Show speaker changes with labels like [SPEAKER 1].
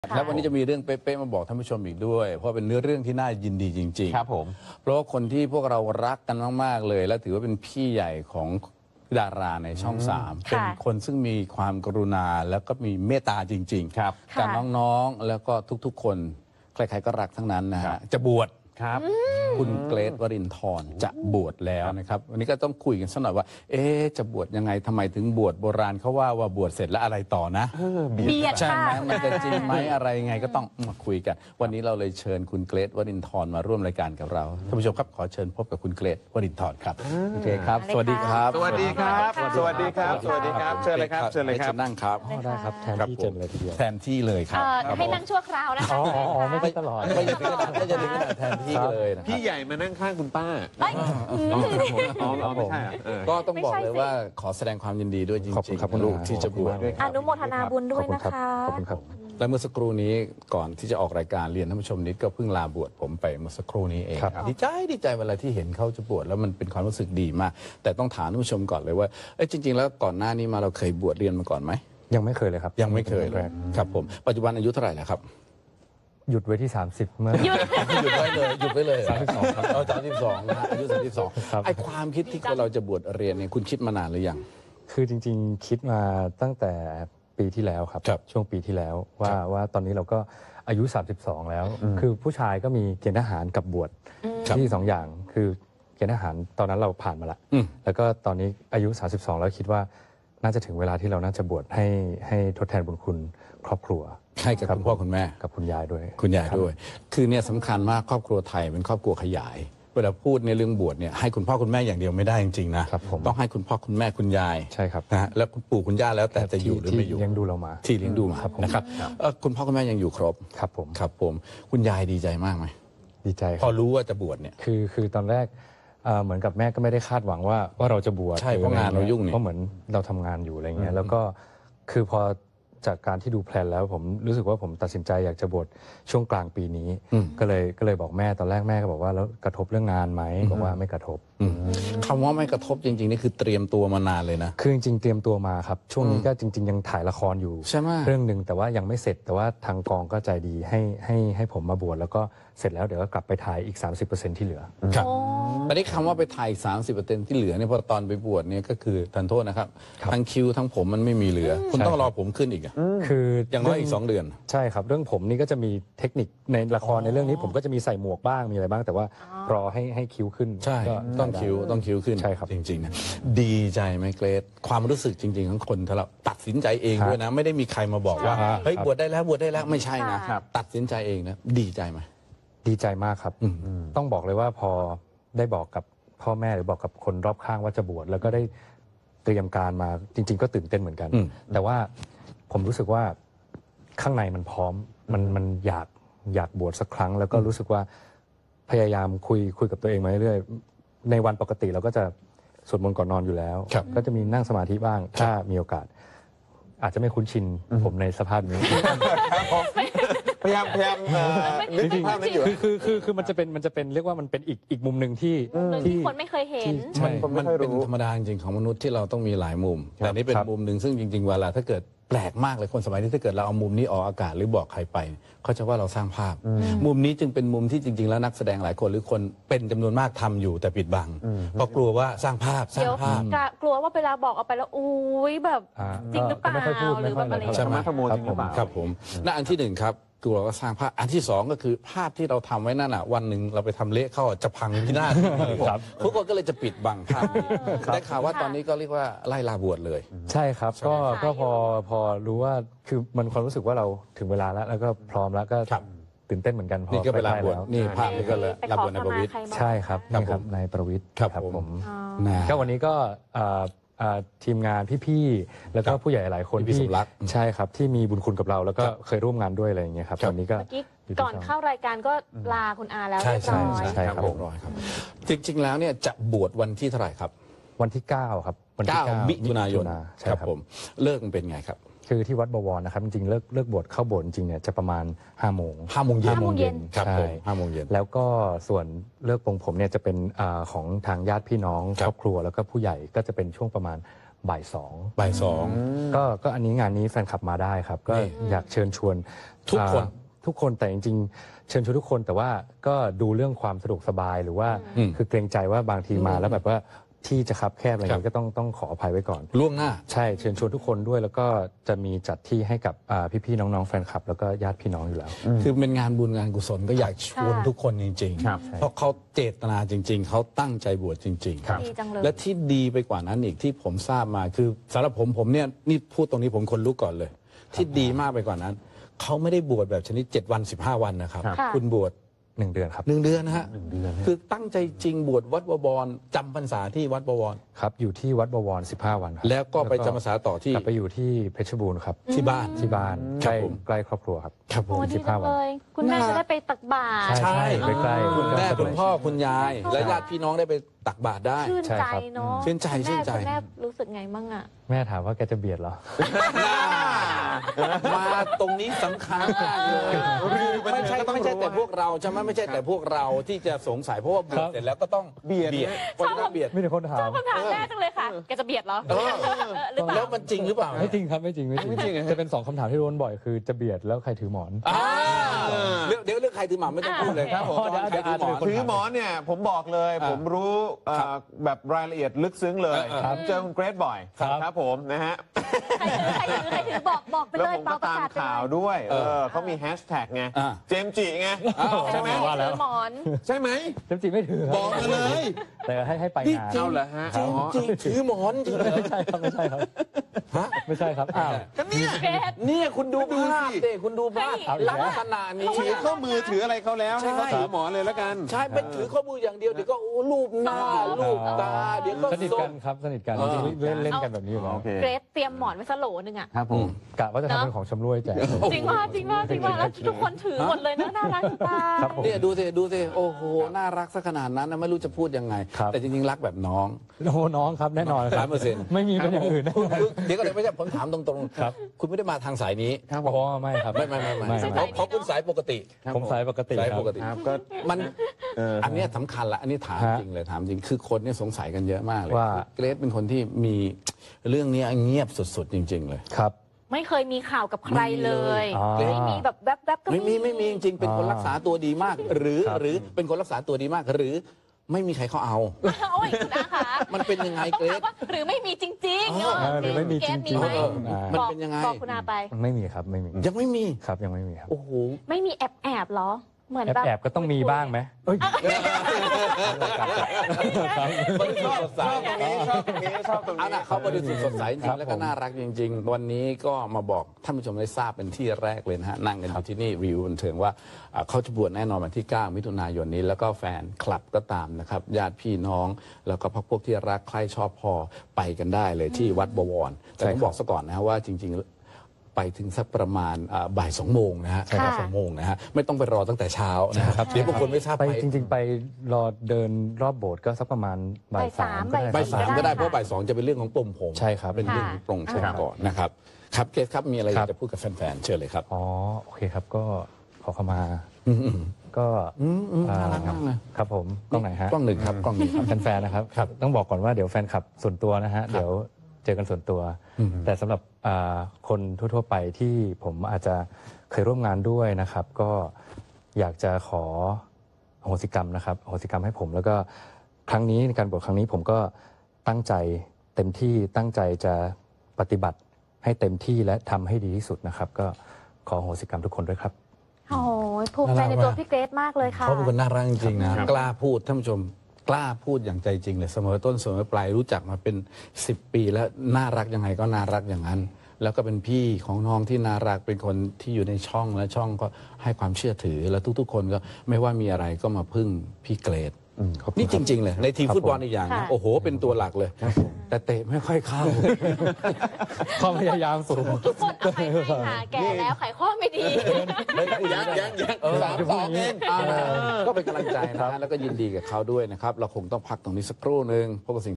[SPEAKER 1] แล้ววันนี้จะมีเรื่องเป๊ะๆมาบอกท่านผู้ชมอีกด้วยเพราะเป็นเนื้อเรื่องที่น่ายินดีจริงๆ
[SPEAKER 2] ครับผม
[SPEAKER 1] เพราะว่าคนที่พวกเรารักกันมากๆเลยและถือว่าเป็นพี่ใหญ่ของดาราในช่อง3เป็นคนซึ่งมีความกรุณาแล้วก็มีเมตตาจริงๆ
[SPEAKER 2] ครับ
[SPEAKER 1] กับน้องๆแล้วก็ทุกๆคนใครๆก็รักทั้งนั้นนะฮะจะบวช
[SPEAKER 2] ครับ
[SPEAKER 1] คุณเกรทวรินทร์จะบวชแล้วนะครับวันนี้ก็ต้องคุยกันสักหน่อยว่าจะบวชยังไงทำไมถึงบวชโบราณเขาว่าบวชเสร็จแล้วอะไรต่อนะ
[SPEAKER 3] เบียด
[SPEAKER 1] ใช่ไหม
[SPEAKER 3] ค่ะ
[SPEAKER 1] มันจะจริงไหมอะไรยังไงก็ต้องมาคุยกันวันนี้เราเลยเชิญคุณเกรทวรินทร์มาร่วมรายการกับเราท่านผู้ชมครับขอเชิญพบกับคุณเกรทวรินทร์ครับโอเคครับสวัสดีครับ
[SPEAKER 2] สวัสดีครับสวัสดีครับสวัสดีครับเชิญเลยครับเชิญเลยครับ
[SPEAKER 1] นั่งครับ
[SPEAKER 4] ได้ครับแทนที่เจนเลยทีเดียว
[SPEAKER 1] แทนที่เลยครับ
[SPEAKER 3] ให้นั่งชั่วคราวนะคะ
[SPEAKER 4] ไม่ได้ตลอด
[SPEAKER 1] ไม่จะถึงขนาดไม่จะถึงขนาดแทนที่เลยนะค
[SPEAKER 2] พี่
[SPEAKER 1] รับ
[SPEAKER 2] ใหญ่มานั่งข้างคุณป้า
[SPEAKER 3] เอ้ย
[SPEAKER 2] ไม่ใช่อ่ะ
[SPEAKER 1] ก็ต้องบอกเลยว่าขอแสดงความยินดีด้วยจ
[SPEAKER 4] ขอบคุ
[SPEAKER 1] ริ
[SPEAKER 4] ณ
[SPEAKER 1] ง
[SPEAKER 4] ครับคุณ
[SPEAKER 1] ๆ
[SPEAKER 4] ลุ
[SPEAKER 1] ลู
[SPEAKER 4] ง
[SPEAKER 1] กที่จะบวช
[SPEAKER 3] อนุโมทนาบุญด้วยนะคะ
[SPEAKER 4] ขอบคุณครับ
[SPEAKER 1] และเมื่อสักครู่นี้ก่อนที่จะออกรายการเรียนท่านผู้ชมนิดก็เพิ่งลาบวชผมไปเมื่อสักครู่นี้เอง
[SPEAKER 4] ครับ
[SPEAKER 1] ดีใจเวลาที่เห็นเขาจะบวชแล้วมันเป็นความรู้สึกดีมาก แต่ต้องถามท่านผู้ชมก่อนเลยว่าจริง ๆ แล้วก่อนหน้านี้มาเราเคยบวชเรียนมาก่อนไหม
[SPEAKER 4] ยังไม่เคยเลยครับ
[SPEAKER 1] ยังไม่เคยเลย
[SPEAKER 4] แรก
[SPEAKER 1] ครับผมปัจจุบันอายุเท่าไหร่แล้วครับ
[SPEAKER 4] หยุดไว้ที่ 30 เมื่อ
[SPEAKER 3] หยุด
[SPEAKER 1] หยุดไว้เลย
[SPEAKER 4] 32ครับ
[SPEAKER 1] 32นะอายุ
[SPEAKER 4] ครับ
[SPEAKER 1] 32ไอ้ความคิดที่เราจะบวชเรียนเนี่ยคุณคิดมานานหรือยัง
[SPEAKER 4] คือจริงๆคิดมาตั้งแต่ปีที่แล้วครับ
[SPEAKER 1] ครับ
[SPEAKER 4] ช่วงปีที่แล้วว่า
[SPEAKER 1] ครับ
[SPEAKER 4] ว่าตอนนี้เราก็อายุ 32 แล้ว คือผู้ชายก็มีเกณฑ์ทหารกับบวช
[SPEAKER 1] ครับ
[SPEAKER 4] ที่2อย่างคือเกณฑ์ทหารตอนนั้นเราผ่านมาละ
[SPEAKER 1] อืม
[SPEAKER 4] แล้วก็ตอนนี้อายุ 32 แล้วคิดว่าน่าจะถึงเวลาที่เราน่าจะบวชให้ทดแทนบุญคุณครอบครัว
[SPEAKER 1] ให้กับ
[SPEAKER 4] รับ
[SPEAKER 1] คุณพ่อคุณแม่
[SPEAKER 4] กับคุณยายด้วย
[SPEAKER 1] คุณยายด้วย คือเนี่ยสำคัญมากครอบครัวไทยเป็นครอบครัวขยาย เวลาพูดในเรื่องบวชเนี่ยให้คุณพ่อคุณแม่อย่างเดียวไม่ได้จริงๆนะครับ
[SPEAKER 4] ผม
[SPEAKER 1] ต้องให้คุณพ่อคุณแม่คุณยาย
[SPEAKER 4] ใช่ครับ
[SPEAKER 1] นะฮะแล้วคุณปู่คุณย่าแล้วแต่จะอยู่หรือไม่อยู่
[SPEAKER 4] ที่เลี้ยงดูเรามา
[SPEAKER 1] ที่เลี้ยงดูมา
[SPEAKER 4] ครับผม
[SPEAKER 1] นะครับคุณพ่อคุณแม่ยังอยู่ครบ
[SPEAKER 4] ครับผม
[SPEAKER 1] ครับผมคุณยายดีใจมากไหม
[SPEAKER 4] ดีใจค
[SPEAKER 1] พ
[SPEAKER 4] รั
[SPEAKER 1] อบ รู้ว่าจะบวชเนี่ย
[SPEAKER 4] คือตอนแรกเหมือนกับแม่ก็ไม่ได้คาดหวังว่าเราจะบวช
[SPEAKER 1] ใช่เพราะงานเรายุ่งนี่
[SPEAKER 4] เพราะเหมือนเราทำงานอยู่อะไรเงี้ยแล้วก็คือพอจากการที่ดูแพลนแล้วผมรู้สึกว่าผมตัดสินใจอยากจะบวชช่วงกลางปีนี้ ก็เลยบอกแม่ตอนแรกแม่ก็บอกว่าแล้วกระทบเรื่องงานไหมบอกว่าไม่กระทบ
[SPEAKER 1] คำว่าไม่กระทบจริงๆนี่คือเตรียมตัวมานานเลยนะ
[SPEAKER 4] คือจริงๆเตรียมตัวมาครับช่วงนี้ก็จริง ๆ ยังถ่ายละครอยู่
[SPEAKER 1] ใช่ไหม
[SPEAKER 4] เรื่องหนึ่งแต่ว่ายังไม่เสร็จแต่ว่าทางกองก็ใจดีให้ผมมาบวชแล้วก็เสร็จแล้วเดี๋ยวก็กลับไปถ่ายอีก 30%ที่เหลือ
[SPEAKER 1] ครับแต่นี่คำว่าไปถ่าย 30%ที่เหลือเนี่ยพอตอนไปบวชเนี่ยก็คือทันโทษนะครับ
[SPEAKER 4] ครับ
[SPEAKER 1] ทั้งคิ้วทั้งผมมันไม่มีเหลือ คุณต้องรอผมขึ้นอีกอะ
[SPEAKER 4] คือ
[SPEAKER 1] อย่างน้อยอีก2 เดือน
[SPEAKER 4] ใช่ครับเรื่องผมนี่ก็จะมีเทคนิคในละครในเรื่องนี้ผมก็จะมีใส่หมวกบ้างมีอะไรบ้าง แต่ว่ารอให้คิ้วขึ้น
[SPEAKER 1] ใช่
[SPEAKER 4] ก็
[SPEAKER 1] ต้องคิ้วขึ้น
[SPEAKER 4] ใช่ครับ
[SPEAKER 1] จริงๆนะดีใจไหมเกรซความรู้สึกจริง ๆ ของคนถ้าเราตัดสินใจเอง
[SPEAKER 4] ครับ
[SPEAKER 1] ด้วยนะ ไม่ได้มีใครมาบอกว่า
[SPEAKER 4] ครับ
[SPEAKER 1] เฮ้ยบวชได้แล้วบวชได้แล้วไม่ใช่นะ
[SPEAKER 3] ครับ
[SPEAKER 1] ตัดสินใจเองนะดีใจไหม
[SPEAKER 4] ดีใจมากครับต้องบอกเลยว่าพอได้บอกกับพ่อแม่หรือบอกกับคนรอบข้างว่าจะบวชแล้วก็ได้เตรียมการมาจริง ๆ ก็ตื่นเต้นเหมือนกัน แต่ว่าผมรู้สึกว่าข้างในมันพร้อมมันอยากบวชสักครั้ง แล้วก็รู้สึกว่าพยายามคุยกับตัวเองมาเรื่อยๆในวันปกติเราก็จะสวดมนต์ก่อนนอนอยู่แล้ว
[SPEAKER 1] ครับ
[SPEAKER 4] ก็จะมีนั่งสมาธิบ้างถ้ามีโอกาส อาจจะไม่คุ้นชินผมในสภาพนี้
[SPEAKER 2] พยายามนึกถึงภาพนั้นอยู่
[SPEAKER 4] คือมันจะเป็นเรียกว่ามันเป็นอีกมุมหนึ่งที่
[SPEAKER 3] ที่คนไม่เคยเห็น
[SPEAKER 4] ใช่
[SPEAKER 1] มันเป็นธรรมดาจริงๆของมนุษย์ที่เราต้องมีหลายมุม แต่นี่เป็น
[SPEAKER 4] ครับ
[SPEAKER 1] มุมหนึ่งซึ่งจริงๆเวลาถ้าเกิดแปลกมากเลยคนสมัยนี้ถ้าเกิดเราเอามุมนี้ออกอากาศหรือบอกใครไปเขาจะว่าเราสร้างภาพ มุมนี้จึงเป็นมุมที่จริง ๆ แล้วนักแสดงหลายคนหรือคนเป็นจำนวนมากทำอยู่แต่ปิดบังเพราะกลัวว่าสร้างภาพ
[SPEAKER 3] เดี๋ยวกลัวว่าเวลาบอกออกไปแล้วอุ้ยแบบ จริงหรือเปล่า
[SPEAKER 4] ก็ไม่ค่อยพูด
[SPEAKER 3] หรือแบบอะไร
[SPEAKER 4] ม่ค่ย
[SPEAKER 1] ใช่ไหม
[SPEAKER 2] ธรรมะธรรโมจริงหรือเปล่า
[SPEAKER 1] ครับผมนั่นอันที่หนึ่งครับกลัวว่าสร้างภาพอันที่สองก็คือภาพที่เราทำไว้นั่นน่ะวันหนึ่งเราไปทำเละเข้าจะพังพินาศทุกคนก็เลยจะปิดบังภาพนี้ได้ข่าวว่าตอนนี้ก็เรียกว่าไล่ลาบวชเลย
[SPEAKER 4] ใช่ครับก็พอรู้ว่าคือมันความรู้สึกว่าเราถึงเวลาแล้วก็พร้อมแล้วก็
[SPEAKER 1] ครับ
[SPEAKER 4] ตื่นเต้นเหมือนกันพอ
[SPEAKER 1] นี่ก็เวลาบวช
[SPEAKER 4] ใกล้ๆแ
[SPEAKER 1] นี่ภาพนี้ก็เลยรับบวชในประวิตร
[SPEAKER 4] ใช่ครับ
[SPEAKER 1] ครับ
[SPEAKER 4] นี่ครับ
[SPEAKER 1] ผม
[SPEAKER 4] นายประวิตร
[SPEAKER 1] ครับผม นะ
[SPEAKER 4] ก็วันนี้ก็ทีมงานพี่ๆแล้วก็ผู้ใหญ่หลายคน
[SPEAKER 1] พี่สมรัก
[SPEAKER 4] ใช่ครับที่มีบุญคุณกับเราแล้วก็เคยร่วมงานด้วยอะไรอย่างเงี้ยครับ
[SPEAKER 1] ครับ
[SPEAKER 4] วันนี้ก็
[SPEAKER 3] เมื่อกี้ก่อนเข้ารายการก็ลาคุณอาแล้ว
[SPEAKER 1] ใช่
[SPEAKER 3] เรียบ
[SPEAKER 1] ใช่
[SPEAKER 3] ร้อย
[SPEAKER 1] ใช่ครับเรียบร้อยครับ จริงๆแล้วเนี่ยจะบวชวันที่เท่าไหร่ครับ
[SPEAKER 4] วันที่ 9 ครับวันที่
[SPEAKER 1] 9 มิถุนายน
[SPEAKER 4] ใช่
[SPEAKER 1] ครับ
[SPEAKER 4] ครับ
[SPEAKER 1] ผมเลิกมันเป็นไงครับ
[SPEAKER 4] คือที่วัดบวรนะครับจริงๆเลิกบวชเข้าโบสถ์จริงๆเนี่ยจะประมาณ5 โมง
[SPEAKER 1] 5 โมงเย็น
[SPEAKER 3] 5 โมงเย็น
[SPEAKER 1] ครับ
[SPEAKER 4] ใช่
[SPEAKER 1] ผม5 โมงเย็น
[SPEAKER 4] แล้วก็ส่วนเลิกปลงผมเนี่ยจะเป็นของทางญาติพี่น้อง
[SPEAKER 1] ครั
[SPEAKER 4] ค
[SPEAKER 1] บ
[SPEAKER 4] รอบครัวแล้วก็ผู้ใหญ่ก็จะเป็นช่วงประมาณบ่ายสอง
[SPEAKER 1] บ่ายสอง
[SPEAKER 4] ก็อันนี้งานนี้แฟนคลับมาได้ครับ ก็อยากเชิญชวน
[SPEAKER 1] ทุกคน
[SPEAKER 4] ทุกคนแต่จริงๆเชิญชวนทุกคนแต่ว่าก็ดูเรื่องความสะดวกสบายหรือว่าคือเกรงใจว่าบางทีมาแล้วแบบว่าที่จะคับแคบอะไรเงี้ยก็ต้องขออภัยไว้ก่อน
[SPEAKER 1] ล่วงหน้า
[SPEAKER 4] ใช่เชิญชวนทุกคนด้วยแล้วก็จะมีจัดที่ให้กับพี่ๆน้องๆแฟนคลับแล้วก็ญาติพี่น้องอยู่แล้ว
[SPEAKER 1] คือเป็นงานบุญงานกุศลก็อยากชวน
[SPEAKER 3] ค่ะ
[SPEAKER 1] ทุกคนจริง
[SPEAKER 2] ครับ
[SPEAKER 1] ๆ เพราะเขาเจตนาจริง ๆ เขาตั้งใจบวชจริง
[SPEAKER 2] ครับ
[SPEAKER 3] ดีจังเลย
[SPEAKER 1] และที่ดีไปกว่านั้นอีกที่ผมทราบมาคือสำหรับผมเนี่ยนี่พูดตรงนี้ผมคนลุกก่อนเลย ที่ดีมากไปกว่านั้น เขาไม่ได้บวชแบบชนิด7 วัน 15 วันนะครับ
[SPEAKER 3] ค่ะ
[SPEAKER 1] คุณบวช
[SPEAKER 4] 1 เดือนครับ
[SPEAKER 1] 1 เดือนนะฮะ
[SPEAKER 2] เดือน
[SPEAKER 1] คือตั้งใจจริงบวชวัดบวรจำพรรษาที่วัดบวร
[SPEAKER 4] ครับอยู่ที่วัดบวร15 วันครับ
[SPEAKER 1] แล้วก็ไปจำพรรษาต่อที่
[SPEAKER 4] กลับไปอยู่ที่เพชรบูรณ์ครับ
[SPEAKER 1] ที่บ้าน
[SPEAKER 4] ที่บ้าน
[SPEAKER 1] ค
[SPEAKER 4] ใก
[SPEAKER 1] รับ
[SPEAKER 4] ล้
[SPEAKER 1] ผม
[SPEAKER 4] ใกล้ครอบครัวครับ
[SPEAKER 1] ครับผม
[SPEAKER 3] โอ้ดีจัง
[SPEAKER 4] 15 วัน
[SPEAKER 3] เลย คุณแม่จะได้ไปตักบาตร
[SPEAKER 4] ใช่ ใกล้ๆ
[SPEAKER 1] คุณแม่
[SPEAKER 4] ก็สะดวก
[SPEAKER 1] คุณพ่อคุณยาย และญาติพี่น้องได้ไปตักบาตรได้
[SPEAKER 3] ชื่น
[SPEAKER 4] ใช่
[SPEAKER 3] ใจ
[SPEAKER 4] ครับ
[SPEAKER 3] เนาะ
[SPEAKER 1] ชื่นใจ
[SPEAKER 3] คุณแม่
[SPEAKER 1] ชื่นใจ
[SPEAKER 3] คุณแม่รู้สึกไงมั่งอ่ะ
[SPEAKER 4] แม่ถามว่าแกจะเบียดเหรอ
[SPEAKER 1] มาตรงนี้สำคัญมากเลยไม่ใช่แต่พวกเราใช่ไหมไม่ใช่แต่พวกเราที่จะสงสัยเพราะว่าบวชเสร็จแล้วก็ต้อง
[SPEAKER 2] เบียด
[SPEAKER 1] คนก็เบียด
[SPEAKER 4] ไม่ได้คนถาม
[SPEAKER 3] คำถามแรกจังเลยค่ะ แกจะเบียดเหรอ
[SPEAKER 1] เออ
[SPEAKER 3] หรือเป
[SPEAKER 1] แล้
[SPEAKER 3] ล่า
[SPEAKER 1] วมันจริงหรือเปล่า
[SPEAKER 4] ไม่จริงครับไม่จริง จะเป็น2คำถามที่โดนบ่อยคือจะเบียดแล้วใครถือหมอน
[SPEAKER 1] เรื่องใครถือหมาไม่ต้องพูดเลยครับผม
[SPEAKER 4] เดี๋ยว
[SPEAKER 1] ใครถือหมอน
[SPEAKER 2] ถือหมอนเนี่ยผมบอกเลย ผมรู้แบบรายละเอียดลึกซึ้งเลย
[SPEAKER 1] ครับ
[SPEAKER 2] ผมเจอคุณเกรทบ่อย
[SPEAKER 4] ครับ
[SPEAKER 2] ครับผมนะฮะ
[SPEAKER 3] ใครถือบอกไป
[SPEAKER 2] แล้ว
[SPEAKER 3] เลย
[SPEAKER 2] ผม
[SPEAKER 3] เปล่า
[SPEAKER 2] ก็
[SPEAKER 3] ประ
[SPEAKER 2] ตาม
[SPEAKER 3] กาศไป
[SPEAKER 2] ข่าว
[SPEAKER 3] เลย
[SPEAKER 2] ด้วยเขามีแฮชแท็กไง
[SPEAKER 1] อ่า
[SPEAKER 2] เจมส์จิไงใช่ไหม
[SPEAKER 4] ว่าแล้ว
[SPEAKER 3] ถือหมอน
[SPEAKER 2] ใช่ไหม
[SPEAKER 4] เต็มจริงไม่ถือครับ
[SPEAKER 1] บอกมาเลย
[SPEAKER 4] แต่ให้ไป
[SPEAKER 1] นี่
[SPEAKER 4] งาน
[SPEAKER 1] จริง
[SPEAKER 2] เอาเหรอฮะ
[SPEAKER 1] จริง
[SPEAKER 2] อ๋อ
[SPEAKER 1] จริงถือหมอนจริงเหรอ
[SPEAKER 4] ไม่ใช่ครับไม่ใช่ครับ
[SPEAKER 1] ฮะ
[SPEAKER 4] ไม่ใช่ครับอ้าว
[SPEAKER 2] ก็เนี่ย
[SPEAKER 3] เกรด
[SPEAKER 1] เนี่ยคุณดู
[SPEAKER 2] ดู
[SPEAKER 1] ภาพ
[SPEAKER 2] สิ
[SPEAKER 1] เด็คุณดูภาพ
[SPEAKER 4] เอาอีกแล้ว
[SPEAKER 1] ลักษณะนี้
[SPEAKER 2] ถือข้อมือถืออะไรเขาแล้วให้เขา
[SPEAKER 1] ใช่
[SPEAKER 2] ถือหมอนเลยแล้วกัน
[SPEAKER 1] ใช่เป็นถือข้อมืออย่างเดียวเดี๋ยวก็โอ้รูปหน้ารูปตาเดี๋ยวก็
[SPEAKER 4] สนิท
[SPEAKER 1] ส้
[SPEAKER 4] กั
[SPEAKER 1] ม
[SPEAKER 4] นครับสนิทกัน
[SPEAKER 1] เออ
[SPEAKER 4] จริงๆเล่นกันแบบนี้อยู่แล้ว
[SPEAKER 2] โอเค
[SPEAKER 3] เกรดเตรียมหมอนไว้สโหลนึงอ่ะ
[SPEAKER 2] ครับผม
[SPEAKER 4] กะว่าจะทำเป็นของชำร่วยแจก
[SPEAKER 3] จริงว่าแล้วทุกคนถือหมดเลยนะน่ารักจะตาย
[SPEAKER 4] ครับผม
[SPEAKER 1] เนี่ยดูสิโอ้โหน่ารักซะขนาดนั้นนะไม่รู้จะพูดยังไง
[SPEAKER 4] ครับ
[SPEAKER 1] แต่จริงๆรักแบบน้อง
[SPEAKER 4] โอ้น้องครับแน่นอนครับ
[SPEAKER 1] 100%
[SPEAKER 4] ไม่มีเป็นอย่างอื่นนะ
[SPEAKER 1] เดี๋ยวก็เลยไม่ใช่ผมถามตรง
[SPEAKER 4] ครับ
[SPEAKER 1] คุณไม่ได้มาทางสายนี้
[SPEAKER 2] ครับผ
[SPEAKER 4] อ๋อ
[SPEAKER 2] ม
[SPEAKER 4] ไม่ครับ
[SPEAKER 1] ไม่
[SPEAKER 3] ไม่ใช่สายนี้
[SPEAKER 1] เพราะคุณสายปกติ
[SPEAKER 4] ผมสายปกติ
[SPEAKER 1] สาย
[SPEAKER 4] ครับ
[SPEAKER 1] ปกติ
[SPEAKER 2] ครับก็
[SPEAKER 1] มัน
[SPEAKER 2] อั
[SPEAKER 1] นเนี้ยสำคัญละอันนี้ถาม
[SPEAKER 4] ฮะ
[SPEAKER 1] จริงเลยถามจริงคือคนเนี่ยสงสัยกันเยอะมากเลย
[SPEAKER 4] ว่า
[SPEAKER 1] เกรซเป็นคนที่มีเรื่องนี้เงียบสุดๆจริง ๆ เลย
[SPEAKER 4] ครับ
[SPEAKER 3] ไม่เคยมีข่าวกับใครเลย
[SPEAKER 4] อ๋อ
[SPEAKER 3] ไม่มีแบบแวบๆก็
[SPEAKER 1] ไม่มีจริงๆเป็นคนรักษาตัวดีมาก หรือ
[SPEAKER 4] ครับ
[SPEAKER 1] หรือเป็นคนรักษาตัวดีมาก หรือไม่มีใครเขาเอา
[SPEAKER 3] โอ้ยคุณอาคะ
[SPEAKER 1] มันเป็นยังไง
[SPEAKER 3] ต้อง
[SPEAKER 1] เกร
[SPEAKER 3] ถาม
[SPEAKER 1] ซ
[SPEAKER 3] ว่าหรือไม่มีจริงๆ
[SPEAKER 4] หรือไม่มีจริงๆ
[SPEAKER 3] เกมีไหม
[SPEAKER 1] มัน
[SPEAKER 3] บอก
[SPEAKER 1] เป็นยังไง
[SPEAKER 3] บอกคุณอาไป
[SPEAKER 4] ไม่มีครับไม่มี
[SPEAKER 1] ยังไม่มี
[SPEAKER 4] ครับยังไม่มีครับ
[SPEAKER 1] โอ้โห
[SPEAKER 3] ไม่มีแอบเหรอ เหมือน
[SPEAKER 4] แอบ
[SPEAKER 3] แบบ
[SPEAKER 4] แอบก็ต้องมีบ้างไหมเอ้ย
[SPEAKER 1] บริสุทธิ์สดใส
[SPEAKER 2] ชอบตรงนี้ชอบตรง
[SPEAKER 1] เอา
[SPEAKER 2] นี้
[SPEAKER 1] นะเขาบริสุทธิ์สดใสจ
[SPEAKER 4] ค
[SPEAKER 1] ริ
[SPEAKER 4] รั
[SPEAKER 1] ง
[SPEAKER 4] บ
[SPEAKER 1] แล้วก็
[SPEAKER 4] ผม
[SPEAKER 1] น่ารักจริง ๆ วันนี้ก็มาบอกท่านผู้ชมได้ทราบเป็นที่แรกเลยนะฮะนั่งกันอยู่ที่นี่วิวบันเทิงว่าเขาจะบวชแน่นอนวันที่ 9 มิถุนายนนี้แล้วก็แฟนคลับก็ตามนะครับญาติพี่น้อง แล้วก็พวกที่รักใคร่ชอบพอไปกันได้เลยที่วัดบวรแต่ต้องบอกซะก่อนนะฮะว่าจริง ๆ ไปถึงสักประมาณบ่าย 2 โมงนะฮะ
[SPEAKER 3] ค่ะ
[SPEAKER 1] บ่าย2 โมงนะฮะไม่ต้องไปรอตั้งแต่เช้านะครับเดี๋ยวบางคนไม่ทราบ
[SPEAKER 4] ไปจริง ๆ ไปรอเดินรอบโบสถ์ก็สักประมาณบ่ายสาม
[SPEAKER 3] บ่ายสาม
[SPEAKER 1] บ่าย 3ก็ได้เพราะบ่าย 2จะเป็นเรื่องของปลงผม
[SPEAKER 4] ใช่ครับ
[SPEAKER 1] เป็นเรื่องของปลงผมก่อนนะครับครับเกรซครับมีอะไรอยากจะพูดกับแฟนๆเชิญเลยครับ
[SPEAKER 4] อ๋อโอเคครับก็ขอเข้ามา
[SPEAKER 1] อืม
[SPEAKER 4] ก็
[SPEAKER 1] น่ารักมากเลย
[SPEAKER 4] ครับผมกล้องไหนฮะ
[SPEAKER 1] กล้องหนึ่งครับกล้องหนึ่งครับ
[SPEAKER 4] แฟนๆนะครับ
[SPEAKER 1] ครับ
[SPEAKER 4] ต้องบอกก่อนว่าเดี๋ยวแฟนคลับส่วนตัวนะฮะเดี๋ยวเจอกันส่วนตัว แต่สำหรับคนทั่วๆไปที่ผมอาจจะเคยร่วมงานด้วยนะครับ ก็อยากจะขออโหสิกรรมนะครับอโหสิกรรมให้ผม แล้วก็ครั้งนี้ในการบวชครั้งนี้ผมก็ตั้งใจเต็มที่ตั้งใจจะปฏิบัติให้เต็มที่และทำให้ดีที่สุดนะครับ ก็ขออโหสิกรรมทุกคนด้วยครับ
[SPEAKER 3] โอ้ยภูมิใจในตัวพี่เกรซมากเลยค่ะ
[SPEAKER 1] เขาเป็นคนน่ารักจริงๆนะกล้าพูดท่านผู้ชมกล้าพูดอย่างใจจริงเลยเสมอต้นเสมอปลายรู้จักมาเป็น10 ปีแล้วน่ารักยังไงก็น่ารักอย่างนั้น แล้วก็เป็นพี่ของน้องที่น่ารักเป็นคนที่อยู่ในช่องและช่องก็ให้ความเชื่อถือแล้วทุกๆ คนก็ไม่ว่ามีอะไรก็มาพึ่งพี่เกรดนี่จริง ๆ เลยในทีมฟุตบอลอีกอย่างนะ
[SPEAKER 3] ค่ะ
[SPEAKER 1] โอ้โหเป็นตัวหลักเลย แต่เตะไม่ค่อยเข้า
[SPEAKER 4] ความพยายามสูง
[SPEAKER 3] ทุกคนเอาไปให้ค่ะแก่แล้วไขข้อไม่ดี
[SPEAKER 2] ยัง3-2 เอง
[SPEAKER 1] ก็เป็นกำลังใจนะฮะแล้วก็ยินดีกับเขาด้วยนะครับ เราคงต้องพักตรงนี้สักครู่หนึ่งพวกบสิ่ง